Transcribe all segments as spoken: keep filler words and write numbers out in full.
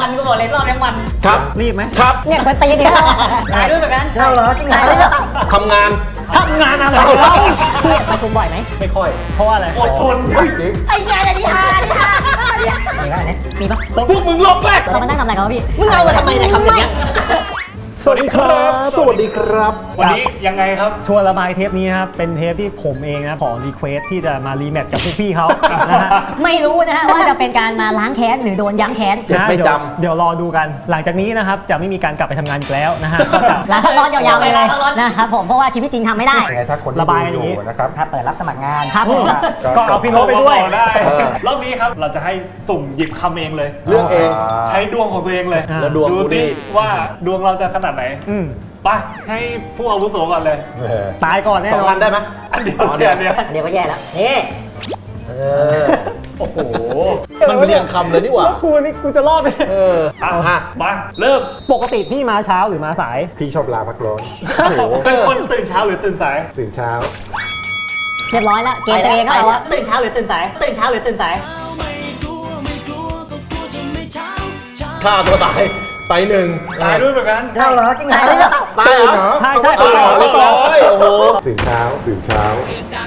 มันกูบอกเลยรอบนี้มันครับรีบไหมครับเนี่ยคนตีเนี่ยตายด้วยเหมือนกันเราเหรอจริงเหรอทำงานทำงานอะไรเราพี่ประชุมบ่อยไหมไม่ค่อยเพราะว่าอะไรอดทนไอ้งานอะไรฮะนี่ฮะมีอะไรเนี่ยมีปะพวกมึงลบแรกเรามานั่งทำอะไรกันวะพี่มึงเอามาทำไมเนี่ยคำอย่างเงี้ยสวัสดีครับสวัสดีครับวันนี้ยังไงครับชวนระบายเทปนี้ครับเป็นเทปที่ผมเองนะขอรีเควสที่จะมารีแมทกับพวกพี่เขานะฮะไม่รู้นะฮะว่าจะเป็นการมาล้างแค้นหรือโดนย้ำแค้นไม่จำเดี๋ยวรอดูกันหลังจากนี้นะครับจะไม่มีการกลับไปทำงานอีกแล้วนะฮะก็จะลาพักร้อนยาวๆไปเลยนะครับผมเพราะว่าชีวิตจริงทำไม่ได้ยังไงถ้าคนระบายอย่างนี้นะครับถ้าเปิดรับสมัครงานครับก็เอาพี่โน้ตไปด้วยได้รอบนี้ครับเราจะให้สุ่มหยิบคำเองเลยเรื่องเองใช้ดวงของตัวเองเลยแล้วดวงดูสิว่าดวงเราจะขนาดไหนไปให้ผู้อาวุโสก่อนเลยตายก่อนแน่นอนสองอันได้ไหมอันเดียวเดียวเดียวอันเดียวก็แย่แล้วนี่เออโอ้โหมันเรียงคำเลยนี่หว่ากูนี่กูจะรอดไหมเอออ่ะมาเริ่มปกติพี่มาเช้าหรือมาสายพี่ชอบลาพักร้อนเป็นคนตื่นเช้าหรือตื่นสายตื่นเช้าเรียบร้อยแล้วเกมตัวเองก็เอาว่าตื่นเช้าหรือตื่นสายตื่นเช้าหรือตื่นสายฆ่าตัวตายไปหนึ่งตายด้วยเหมือนกันเราเหรอจริงเหรอตายเหรอใช่ใช่ตายเหรอเรียบร้อยโอ้โหตื่นเช้าตื่นเช้า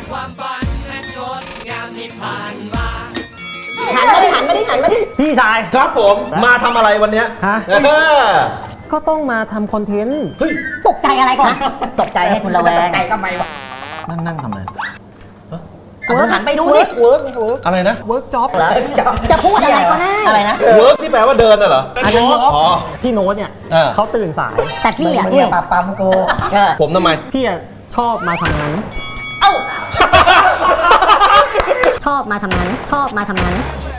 หันมาดิหันมาดิหันมาดิพี่ชายครับผมมาทำอะไรวันนี้ฮะก็ต้องมาทำคอนเทนต์เฮ้ยตกใจอะไรก่อนตกใจให้คุณระแวงตกใจทำไมวะนั่งนั่งทำอะไรหันไปดูดิเวิร์กเวิร์กอะไรนะเวิร์กจ็อบเหรอจะพูดอะไรก็ได้อะไรนะเวิร์กที่แปลว่าเดินน่ะเหรออันนี้พี่โน้ตเนี่ยเขาตื่นสายแต่พี่อ่ะเนี่ยปาปั๊มกูผมทำไมพี่ชอบมาทำงานเอ้าชอบมาทำงานชอบมาทำงาน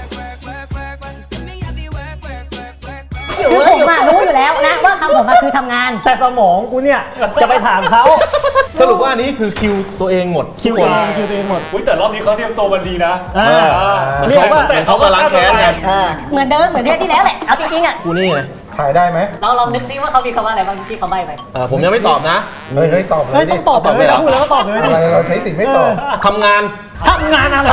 คือผมอะรู้อยู่แล้วนะว่าคำผมคือทำงานแต่สมองกูเนี่ยจะไปถามเขาสรุปว่าอันนี้คือคิวตัวเองหมดคิวเองคิวตัวเองหมดแต่รอบนี้เขาเตรียมตัวมาดีนะเรียกว่าเขามาล้างแค้นไงเหมือนเดิมเหมือนเทปที่แล้วแหละเอาจริงๆอ่ะกูนี่ไงถ่ายได้ไหมเราลองนึกซิว่าเขามีคำว่าอะไรบ้างที่เขาใบ้ไปผมยังไม่ตอบนะเฮ้ยเฮ้ยตอบเลยดิต้องตอบเลยพูดแล้วก็ตอบเลยดิเราใช้สิ่งไม่ตอบทำงานทำงานอะไร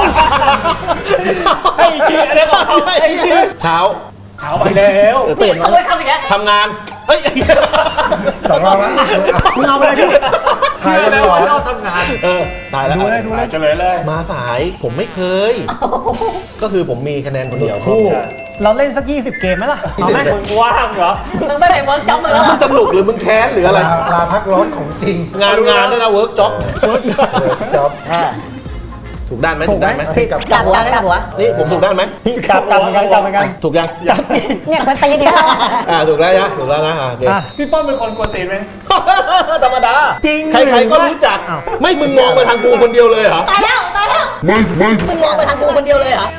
ไอ้ขี้อะไรของเขาไอ้ขี้เช้าเช้าไปแล้วตื่นมาทำงานเฮ้ยสองรอบแล้วมึงเอาไปเลยพี่ถ่ายแล้วว่าชอบทำงานเออถ่ายแล้วดูเลยดูเลยเฉลยเลยมาสายผมไม่เคยก็คือผมมีคะแนนคนเดียวคู่เราเล่นสักยี่สิบเกมไหมล่ะเอาไหมมึงว่างเหรอมึงไม่ไปเวิร์กจ็อบมึงแล้วมึงสนุกหรือมึงแค้นหรืออะไรลาพักร้อนของจริงงานงานด้วยนะเวิร์กจ็อบเวิร์กจ็อบถูกด้านไหมถูกด้านไหมกลับหัวกลับหัวนี่ผมถูกด้านไหมกลับกลับเหมือนกันกลับเหมือนกันถูกยังเนี่ยคนตีเนี่ยอ่าถูกแล้วนะถูกแล้วนะโอเคพี่ป้อมเป็นคนกวนตีนไหมธรรมดาจริงใครๆก็รู้จักไม่มึงมองไปทางกูคนเดียวเลยเหรอตายแล้วตายแล้วไม่ไม่มึงมองไปทางกูคนเดียวเลยเหรอ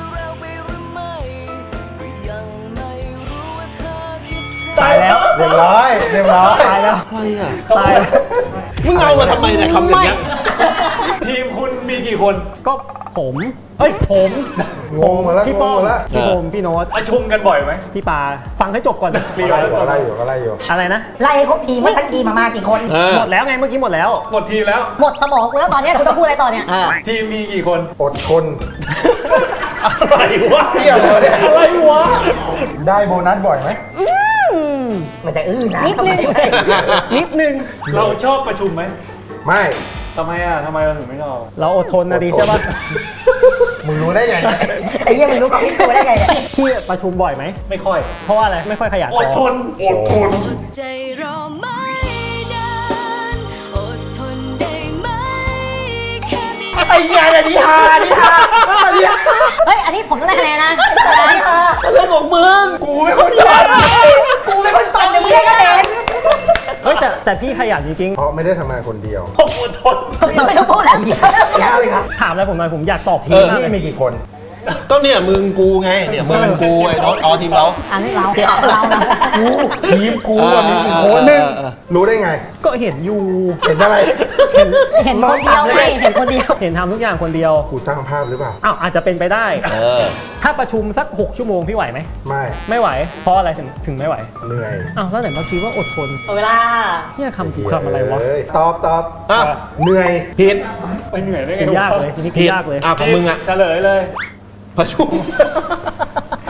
ตายแล้วเรียบร้อยเรียบร้อยตายแล้วอะไรอ่ะตายมึงเอามาทำไมเนี่ยคำอย่างเงี้ยทีมคุณมีกี่คนก็ผมเฮ้ยผมงงมาแล้วพี่ป้อมพี่โอมพี่โน้ตประชุมกันบ่อยไหมพี่ปาฟังให้จบก่อนไล่อยู่ไล่อยู่ก็ไล่อยู่อะไรนะไล่ครบทีมทั้งทีมมากี่คนหมดแล้วไงเมื่อกี้หมดแล้วหมดทีแล้วหมดสมองกูแล้วตอนนี้คุณต้องพูดอะไรต่อเนี่ยทีมมีกี่คนอดทนอะไรวะเที่ยวเลยอะไรวะได้โบนัสบ่อยไหมมันจะอื้อนะนิดนึงนิดนึงเราชอบประชุมไหมไม่ทำไมอ่ะทำไมเราถึงไม่ชอบเราอดทนนะดีใช่ป่ะมึงรู้ได้ไงไอ้เหี้ยมึงรู้กับพี่ตัวได้ไงเนี่ยพี่ประชุมบ่อยไหมไม่ค่อยเพราะว่าอะไรไม่ค่อยขยันอดทนอดทนใจรอไม่นานอดทนได้ไหมแค่นี้ไอ้ยาเนี่ยนิฮานิฮาเฮ้ยอันนี้ผมต้องได้คะแนนนะนิฮาเรื่องของมึงกูไม่คนปั่นกูไม่คนปั่นเดี๋ยวมึงได้คะแนนเฮ้ยแต่แต่พี่ขยันจริงๆเพราะไม่ได้ทำงานคนเดียวผมอดทนไม่ต้องพูดแล้วยาวเลยครับถามอะไรผมหน่อยผมอยากตอบทีมมากเลยมีกี่คนก็เนี่ยมึงกูไงเนี่ยมึงกูไอ้น้องอ๋อทีมเราอันนี้เราเรานะกูทีมกูมีกี่คนนึงรู้ได้ไงก็เห็นอยู่เห็นอะไรเห็นเห็นคนเดียวไงเห็นคนเดียวเห็นทำทุกอย่างคนเดียวกูสร้างภาพหรือเปล่าอ้าวอาจจะเป็นไปได้ถ้าประชุมสักหกชั่วโมงพี่ไหวไหมไม่ไม่ไหวเพราะอะไรถึงถึงไม่ไหวเหนื่อยอ้าวแล้วไหนเมื่อกี้ว่าอดทนเวลาเฮียคำถูกคำอะไรวะตอบตอบเหนื่อยผิดไปเหนื่อยได้ไงยากเลยทีนี้ยากเลยอ่ะของมึงอ่ะเฉลยเลยประชุม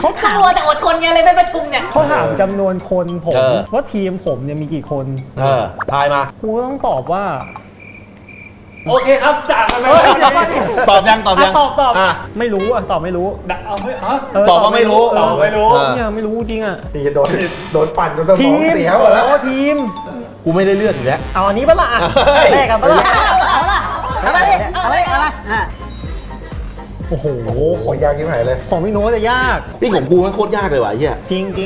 เขาถามมัวแต่อดทนไงเลยไม่ประชุมเนี่ยเขาถามจำนวนคนผมเออว่าทีมผมเนี่ยมีกี่คนเออทายมากูก็ต้องตอบว่าโอเคครับจากกันเลยเฮ้ยเดี๋ยวก่อนดิตอบยังตอบยังะตอบตอบอ่ะไม่รู้อ่ะตอบไม่รู้ดักเอาไม่ฮะเตอบว่าไม่รู้เออตอบไม่รู้เออเนี่ยไม่รู้จริงอ่ะนี่โดนโดนปั่นจนสมทีองมเสียหมดแล้วอ๋อทีมกูไม่ได้เลือกอยู่แล้วเอาอันนี้ปะล่ะอ่ะเฮ้ยแลกกันปะล่ะเอาละเอาละเอาละเอาละอ่ะโอ้โหโอ้โหยากยิ่งหายเลยของพี่โน้ตจะยากนี่ของกูมันโคตรยากเลยว่ะไอ้เหี้ยจริงจริง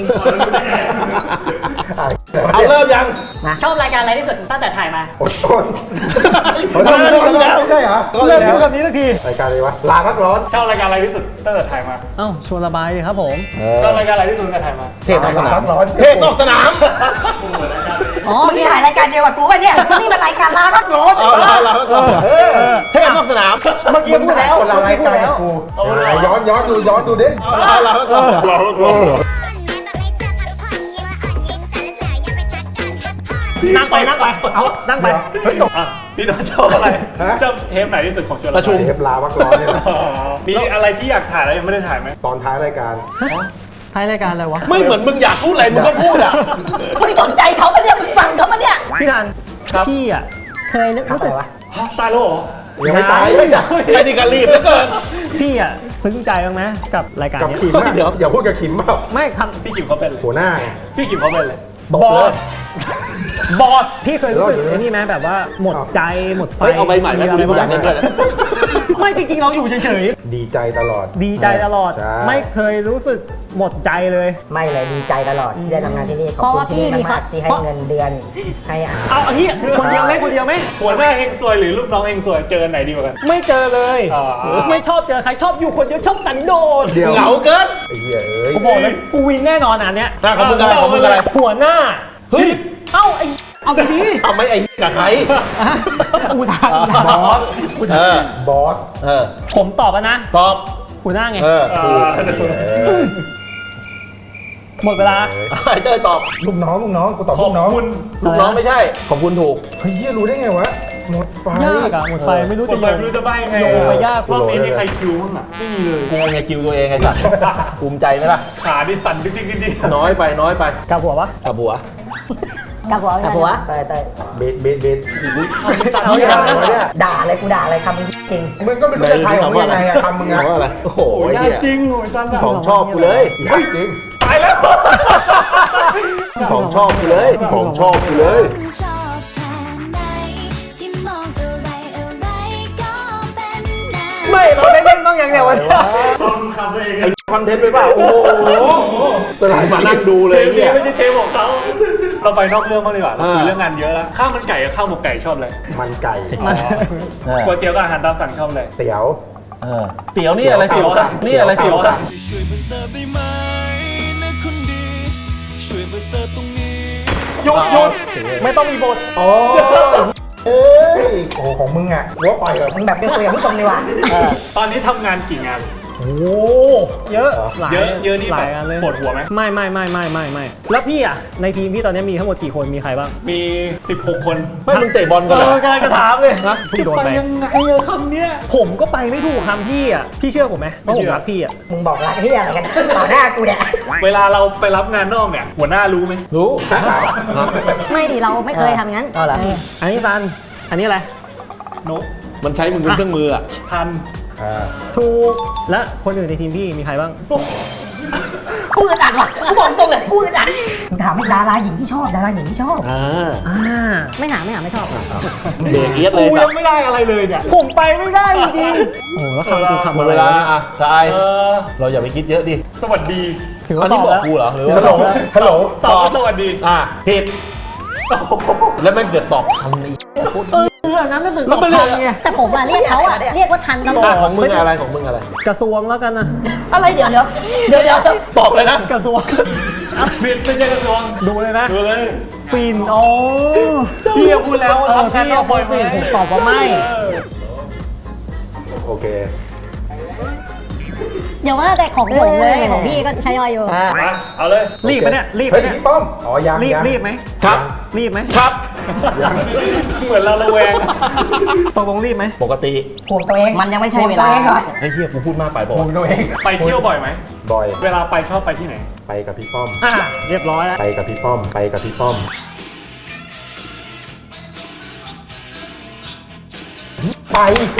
เอาเริ่มยังชอบรายการอะไรที่สุดตั้งแต่ถ่ายมาอดทนเริ่มเริ่มแล้วไม่ใช่เหรอเริ่มพูดแบบนี้สักทีรายการอะไรวะลาพักร้อนชอบรายการอะไรที่สุดตั้งแต่ถ่ายมาเอ้าชวนระบายเลยครับผมเอชอบอรายการอะไรที่สุดตั้งแต่ถ่ายมาเทศนอกสนามพักร้อนเทศนอกสนามอ๋อนี่ถ่ายรายการเดียวกับกูป่ะเนี่ยนี่มันรายการลาพักร้อนเอาละเอาละเอาละเออเทศนอกสนามเมื่อกี้พูดแล้วคนละรายการกับกูย้อนย้อนดูย้อนดูดิเอาละเอาละเอาละนั่งไปนั่งไปเอานั่งไปอ่ะพี่โน้ตชอบอะไรชอบเทปไหนที่สุดของชวนประชุมเทปลาพักร้อนเนี่ยอ๋อมีอะไรที่อยากถ่ายแล้วยังไม่ได้ถ่ายไหมตอนท้ายรายการท้ายรายการอะไรวะไม่เหมือนมึงอยากพูดอะไรมึงก็พูดอ่ะมึงสนใจเขาปะเนี่ยมึงฟังเขาปะเนี่ยพี่ทันพี่อ่ะเคยรู้สึกฮะตายแล้วเหรอยังไม่ตายไม่จ้ะไอ้นี่ก็รีบเหลือเกินพี่อ่ะซึ้งใจบ้างไหมกับรายการกับเนี้ยขิมอะเดี๋ยวอย่าพูดกับขิมเปล่าไม่คพี่กิมเขาเป็นเลยหัวหน้าไงพี่กิมเขาเป็นเลยตบเลยำบอสพี่เคยรู้สึกไอ้นี่ไหมแบบว่าหมดใจหมดไฟเฮ้ยเอาใบใหม่ไหมกูอยากเล่นด้วยไม่จริงๆเราอยู่เฉยดีใจตลอดๆดีใจตลอดใช่ไม่เคยรู้สึกหมดใจเลยไม่เลยดีใจตลอดที่ได้ทำงานที่นี่ขอบคุณที่นี่มากๆที่ให้เงินเดือนให้อาหารเอาอันนี้คนเดียวไหมคนเดียวไหมหัวหน้าเฮงซวยหรือลูกน้องเฮงซวยเจอไหนดีกว่ากันไม่เจอเลยอ่าไม่ชอบเจอใครชอบอยู่คนเดียวชอบสันโดษเดี๋ยวเหงาเกินไอ้เหี้ยเอ้ยกูบอกเลยกูวินแน่นอนอันเนี้ยหน้าของมึงอะไรของมึงอะไรหัวหน้าเฮ้ยเอ้าไอเอาดีดีเอาไหมไอ้กับใครอูทางบอสเออบอสเออผมตอบแล้วนะตอบหัวหน้าไงเอออ่าเออหมดเวลาไอ้เต้ยตอบลูกน้องลูกน้องกูตอบขอลูบกน้องคุณลูกน้องไม่ใช่ ขอบคุณถูกเฮ้ยเหี้ยรู้ได้ไงวะหมดไฟยากอะหมดไฟไม่รู้คจะนโยไปงไม่รู้จะใบ้ยังไงโยงไปยากรอบนี้มีใครคิวบ้างอ่ะไม่มีเลยกูไงคิวตัวเองไงสัตว์ภูมิใจไหมล่ะขาดิสั่นดิ๊กดิ๊กดิ๊กดิ๊กน้อยไปน้อยไปกับหัวปะกับบัวกับหัวแต่ผัวเตยเตยเบสเบสเบสเอาอย่างนั้นอะไรวะเนี่ยด่าอะไรกูด่าอะไรคำมึงจริงมึงก็ไม่รู้จะทายของมึงยังไงอะคำมึงอะคำว่าอะไร โอ้โหโอ้ยไอ้ยาเหี้กยจริงโอ้ยสั้นอะของชอบกูเลยยากจริงตายแล้วของชอบกูเลย ของชอบกูเลยชอบแค่ไหนที่มองอะไรอะไรก็เป็นแนวไม่เราได้เล่นบ้างยังเนี่ยวันนี้ไอ้คอนเทนต์ไปเปล่าโอ้โหสลายมานั่งดูเลยเทปนี้เนี่ยไม่ใช่เทปของเขาเราไปนอกเรื่องบ้างดีกว่าเราคุยอ่าเรื่องงานเยอะแล้วข้าวมันไก่กับข้าวหมกไก่ชอบเลยมันไก่ก๋วยเตี๋ยวกับอาหารตามสั่งชอบเลยเตี๋ยวเออเตี๋ยวนี่อะไรฟิวนี่อะไรฟิวเตี๋ยวช่วยมาเสิร์ฟได้ไหมนะคนดี ช่วยมาเสิร์ฟตรงนี้หยุดหยุดไม่ต้องมีบทโอ้เอ้ยโอ้โหของมึงอะหัวปล่อยเหรอๆมึงแบบเป็นคุยกับผู้ชมดีกว่าเออตอนนี้ทำงานกี่งานโอ้เยอะหลายเยอะเยอะนี่หแบลายบอันเลยปวดหัวไหมไม่ไม่ไม่ไม่ไม่ไม่แล้วพี่อ่ะในทีมพี่ตอนนี้มีทั้งหมดกี่คนมีใครบ้างมีสิบหกคนไม่มึงเตะบอลกันเอเหรออกำลังจะถามเลยฮะพี่โดนไปยังไงอะคำเนี้ยผมก็ไปไม่ถูกคำพี่อ่ะพี่เชื่อผมไหมว่าผมรักพี่อ่ะมึงบอกรักที่อะไรกันต่อหน้ากูเนี่ยเวลาเราไปรับงานนอกเนี่ยหัวหน้ารู้ไหมรู้ไม่ดิเราไม่เคยทำงั้นเอาเหรอเอออันนี้ซันอันนี้อะไรนกมันใช้มึงเป็นเครื่องมืออ่ะพันอ่าถูกและคนอื่นในทีมพี่มีใครบ้างกูอึดอัดว่ะกูบอกตรงเลยกูอึดอัดมึงถามว่าดาราหญิงที่ชอบดาราหญิงที่ชอบอ่าอ่าไม่ถามไม่ถามไม่ชอบเด็กเอียดเลกูยสัยัตงว์ไม่ได้อะไรเลยเนี่ยผมไปไม่ได้จริงๆโอ้แล้วคำคือคำหมอะดไรเวลาวะเนี่ยอ่ะทายเออเราอย่าไปคิดเยอะดิสวัสดีถืออัว่าน ตนี้อบบอกแล้วกูเหรอหรือฮัลโหลว่าฮัลโหลตอบว่าสวัสดีอ่ะผิดแล้วแม่งเสือกตอบทันไอ้เอออันนั้นน่าตื่นแล้ตวอบมันเรียทักนไงแต่ผมอะเรียกเขาอะเรียกว่าทันตลออ่ะดของมึงอะไรของมึงอะไรกระทรวงแล้วกันนะอะไรเดี๋ยวเดี๋ยวเดี๋ยวเดี๋ยวเดี๋ยวตอบเลยนะกระทรวงผิดไม่ใช่กระทรวงดูเลยนะดูเลยฟินอ๋อพี่ก็พูดแล้วว่าเออทำงานพี่นอกบ่อยไหมฟินผมตอบว่าไม่เออโอเคยอย่าว่าแต่ของผมเลยของพี่ก็ใช้ย่อยอยู่อ่ามาเอาเลยรีบไหมเนี่ยรีบไหมเฮ้ยเนี่ยพี่ป้อม อ๋อ ยังรีบยังรีบไหมครับรีบไหมครับยังเหมือนเราระแวงตกลงรีบไหมปกติห่วงตัวเองมันยังไม่ใช่เวลาห่วงตัวเองก่อนไอ้เหี้ยกูพูดมากไปบอกห่วงตัวเองไปเที่ยวบ่อยไหมบ่อยเวลาไปชอบไปที่ไหนไปกับพี่ป้อมอ่ะเรียบร้อยแล้วไปกับพี่ป้อม ไปกับพี่ป้อม ไปไป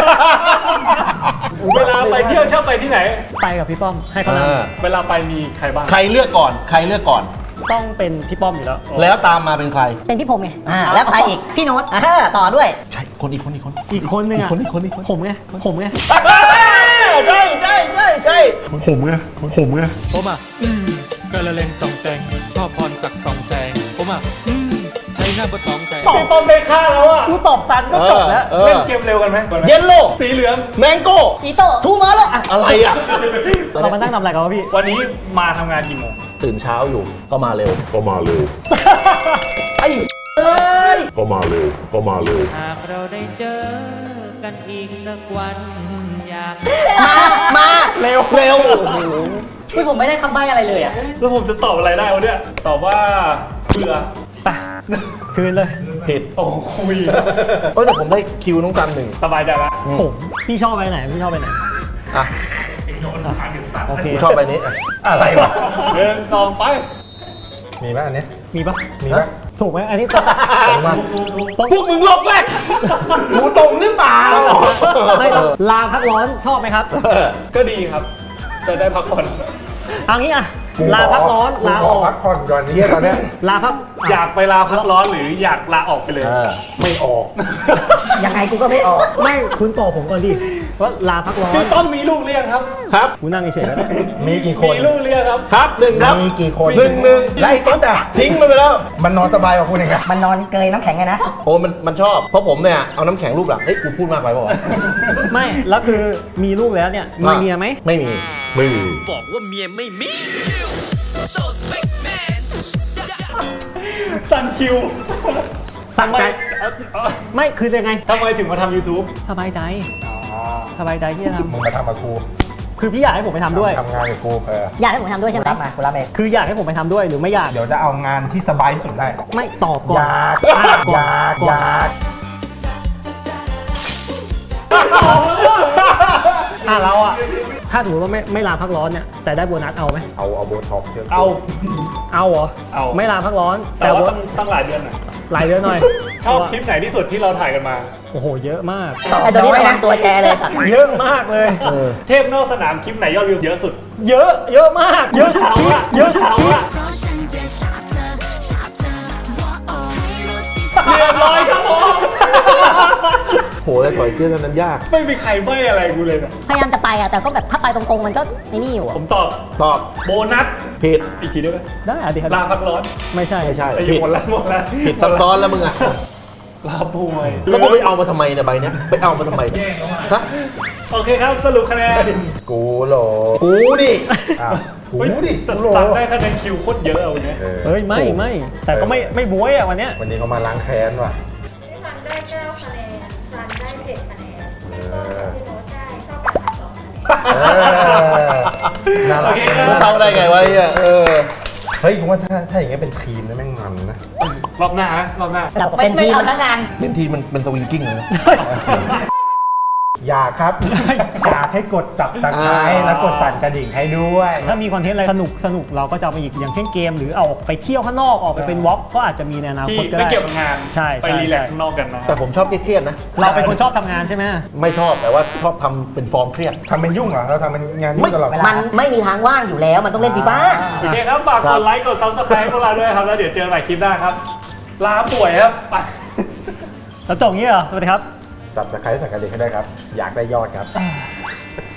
เวลาไปเที่ยวชอบไปที่ไหนไปกับพี่ป้อมให้เขานเออเวลาไปมีใครบ้างใครเลือกก่อน ใครเลือกก่อนำต้องเป็นพี่ป้อมอยู่แล้วแล้วตามมาเป็นใครเป็นพี่ผมไงอ่าแล้วใครอีกพี่โน้ตอ่าต่อด้วยใช่คนอีกคนอีกคนอีกคนนึงอ่ะอีกคนอีกคนอีกคนผมไงผมไงใช่ใช่ใช่ใช่ผมไงผมไงผมอ่ะ อืมกระเลงตองแต่ง ชอบพรศักดิ์สองแสง ผมอ่ะ อืมไทยหน้าบดสองแสงพี่ป้อมได้ค่าแล้วอ่ะกูตอบซันก็จบแล้วเออเล่นเกมเร็วกันไหมก่อนไหมเยลโล่สีเหลืองแมงโก้อีโต้ทูมอร์แล้วอ่ะอะไรอ่ะเรามานั่งทำอะไรกันวะพี่วันนี้มาทำงานกี่โมงตื่นเช้าอยู่ก็มาเร็วก็มาเร็วไอ้เอ้ยก็มาเร็ว ก็มาเร็วหากเราได้เจอกันอีกสักวันอยากมามาเร็วเร็วคือผมไม่ได้คำใบ้อะไรเลยอ่ะแล้วผมจะตอบอะไรได้วะเนี่ยตอบว่าเบื่อไปคืนเลยผิดโอ้คุยเออแต่ผมได้คิวน้องกันหนึ่งสบายใจละผมพี่ชอบไปไหนพี่ชอบไปไหนอ่ะโอเคกูชอบใบนี้อ่ะอะไรวะเดินสองไปมีไหมอันเนี้ยมีปะมีไหมถูกไหมอันนี้ตรงตรงมาพวกมึงลอกแรกกูตรงหรือเปล่าไม่ต้องลาพักร้อนชอบไหมครับก็ดีครับ จะได้พักผ่อนเอางี้อะกูลาพักร้อนขลาขออกพักผ่อนก่อนนี้ตอนเนี้ยลาพักอยากไปลาพักร้อนหรืออยากลาออกไปเลยเออไม่ออกยังไงกูก็ไม่ออกไม่คุณตอบผมก่อนดิว่าลาพักร้อนพี่ต้อมมีลูกเรียงครับครับกูนั่งเฉยๆแล้วมีกี่คนมีลูกเรียงครับครับหนึ่งครับมีกี่คนหนึ่งหนึ่งไล่ต้นอ่ะทิ้งมันไปแล้วมันนอนสบายกว่าคุณเองอะมันนอนเกยน้ำแข็งไงนะโอ้มันมันชอบ เพราะผมเนี่ยเอาน้ำแข็งรูปหลังเฮ้ยกูพูดมากไปเปล่าวะไม่แล้วคือมีลูกแล้วเนี่ยมีเมียไหมไม่มีไม่มีบอกว่าเมียไม่มีสันคิวสั่งใจเอ่อเอ่อไม่คือยังไงทำไมถึงมาทำ YouTube สบายใจสบายใจที่จะทมึงมาทำกับกูำคือพี่อยากให้ผมไปทำด้วยทำงานกับกูเอออยากให้ผมทำด้วยใช่ไหมรับมากูรับเองคืออยากให้ผมไปทำด้วยหรือไม่อยากเดี๋ยวจะเอางานที่สบายที่สุดได้ไม่ตอบก่ออน ยากอยากอยากอ่ะเราอ่ะถ้าสมมติว่าไม่ไม่ลาพักร้อนเนี่ยแต่ได้โบนัสเอาไหมเอาเอาโบท็อกซ์เยอะเอาเอาเหรอเอาไม่ลาพักร้อนแต่ว่าโบต้องต้องหลายเดือนหน่อยหลายเดือนหน่อยชอบคลิปไหนที่สุดที่เราถ่ายกันมาโอ้โหเยอะมากไอตัวนี้ระวังตัวแกเลยสัตว์เยอะมากเลยเทพนอกสนามคลิปไหนยอดวิวเยอะสุดเยอะเยอะมากเยอะทุกคลิปเยอะทุกคลิปเพราะฉันจะชอบเธอชอบเธอว่าโอ้ให้รถติดเรียบร้อยครับผมโหเลยถอยเชื่อกันนั้นยากไม่มีใครใบ้อะไรกูเลยนะพยายามจะไปอ่ะแต่ก็แบบถ้าไปตรงๆมันก็ไอ้นี่อยู่ผอ่ะมตอบตอบโบนัสผิดอีกทีได้ไหมได้อะดิครับลาพักร้อนไม่ใช่ไม่ใช่ไอ้ยผิดหมดแล้วหมดแล้วผิดซับซ้อนแล้วมึงอ่ะลาป่วยแล้วกูไปเอามาทำไมเนี่ยใบเนี้ยไปเอามาทำไมเนี่ยฮะโอเคครับสรุปคะแนนกูโหลกูดิอ้าวกูเฮ้ยดิแต่กูโหลสั่งได้คะแนนคิวโคตรเยอะเอาเนี่ยออเฮ้ยไม่ไม่แต่ก็ไม่ไม่บวยอ่ะวันเนี้ยวันนี้เขามาล้างแค้นว่ะพี่ฟันได้เก้าคะแนนซันได้เจ็ดคะแนนเอพี่อโน้ตได้เท่ากันสองคะแนนเออน่ารักมึงเข้าได้ไงวะไเนี่ยเออเฮ้ยผมว่าถ้าถ้าอย่างเงี้ยเป็นทีมนะแม่งมันนะรอบหน้าฮะรอบหน้าจับเป็นทีมพนักงานเป็นทีมันเป็นสวิงกิ้งเลยนะอยากครับ อยากให้กด subscribe แล้วกดสั่นกระดิ่งให้ด้วยถ้ามีคอนเทนต์อะไรสนุกสนุกเราก็จะเอามาอีกอย่างเช่นเกม หรือเอาออกไปเที่ยวข้างนอกออกไปเป็นวอล์กก็อาจจะมีในอนาที่คตก็ไม่ได้เกี่ยวกับงานใช่ไปใช่รีแลกซ์ข้างนอกกันนะแต่ผมชอบเครียดๆนะเราเป็นคนชอบทำงานใช่ไหมไม่ชอบแต่ว่าชอบทำเป็นฟอร์มเครียดทำเป็นยุ่งเหรอ เราทำเป็นงานยุ่งตลอดมันไม่มีทางว่างอยู่แล้วมันต้องเล่นฟีฟ่าโอเคครับ ฝากกดไลค์ กด ซับสไครป์พวกเราด้วยครับ แล้วเดี๋ยวเจอกันใหม่คลิปหน้าครับ ลาป่วยครับ ไปแล้วจบงี้เหรอสวัสดีครับ subscribe สั่นกระดิ่งให้ได้ครับ อยากได้ยอดครับ